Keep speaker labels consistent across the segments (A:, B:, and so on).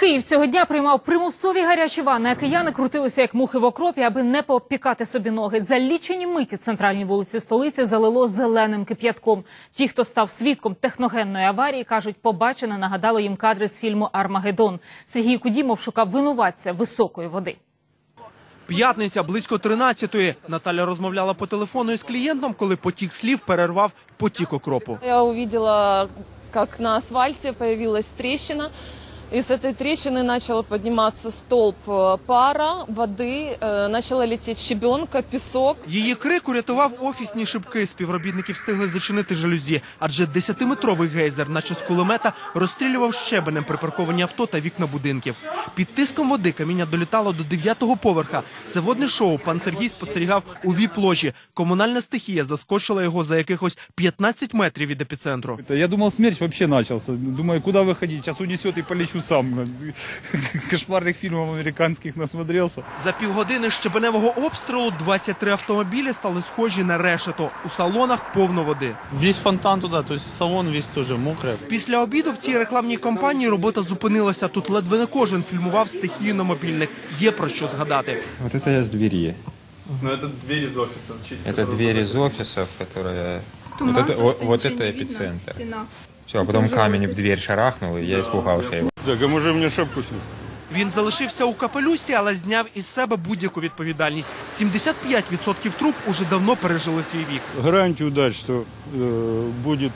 A: Київ цього дня приймав примусові гарячі ванни, а кияни крутилися як мухи в окропі, аби не попікати собі ноги. За лічені миті центральні вулиці столиці залило зеленим кип'ятком. Ті, хто став свідком техногенної аварії, кажуть, побачене нагадало їм кадри з фільму «Армагеддон». Сергій Кудімов шукав винуватця високої води.
B: П'ятниця, близько 13-ї. Наталя розмовляла по телефону із клієнтом, коли потік слів перервав потік окропу.
C: Я увидела, как на асфальте появилась трещина. И с этой трещины начал подниматься столб пара, воды, начала лететь щебенка, песок.
B: Її крик урятував офісні шибки. Співробітники встигли зачинити жалюзі, адже 10-метровий гейзер, наче з кулемета, розстрілював щебенем припарковані авто та вікна будинків. Під тиском води каміння долітало до 9-го поверха. Це водне шоу пан Сергій спостерігав у віп-ложі. Комунальна стихія заскочила його за якихось 15 метрів від епіцентру.
D: Я думал, смерч вообще начался. Думаю, куда выходить? Сейчас унесет и полечу сам. Кошмарных фильмов американских насмотрелся.
B: За півгодини щебеневого обстрілу 23 автомобілі стали схожі на решето. У салонах повно води.
E: Весь фонтан туда, то есть салон весь тоже мокрый.
B: Після обіду в цій рекламній кампанії робота зупинилася. Тут ледве не кожен фільмував стихію на мобільник. Є про що згадати.
F: Вот это я с двери.
E: Ну это дверь из офиса.
F: Это дверь из офисов, которая... Вот это эпицентр. Все, а потом камень в дверь шарахнул, и я испугался его.
D: Так, а может мне шапку снять?
B: Він залишився у капелюсі, але зняв із себе будь-яку відповідальність. 75% труб уже давно пережили свій вік.
D: Гарантию дать, что будет,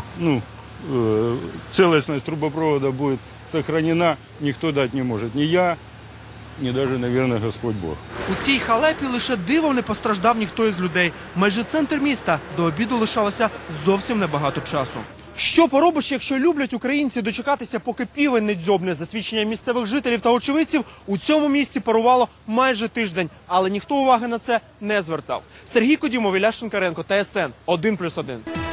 D: целостность трубопровода будет сохранена, никто дать не может. Ни я, ни даже, наверное, Господь Бог.
B: У цій халепі лише дивом не постраждав ніхто із людей. Майже центр міста. До обіду лишалося зовсім небагато часу. Що поробиш, якщо люблять українці дочекатися, поки півень не дзьобне? За свідченням місцевих жителів та очевидців, у цьому місці парувало майже тиждень. Але ніхто уваги на це не звертав. Сергій Кудімов, Ілля Шинкаренко, ТСН 1+1.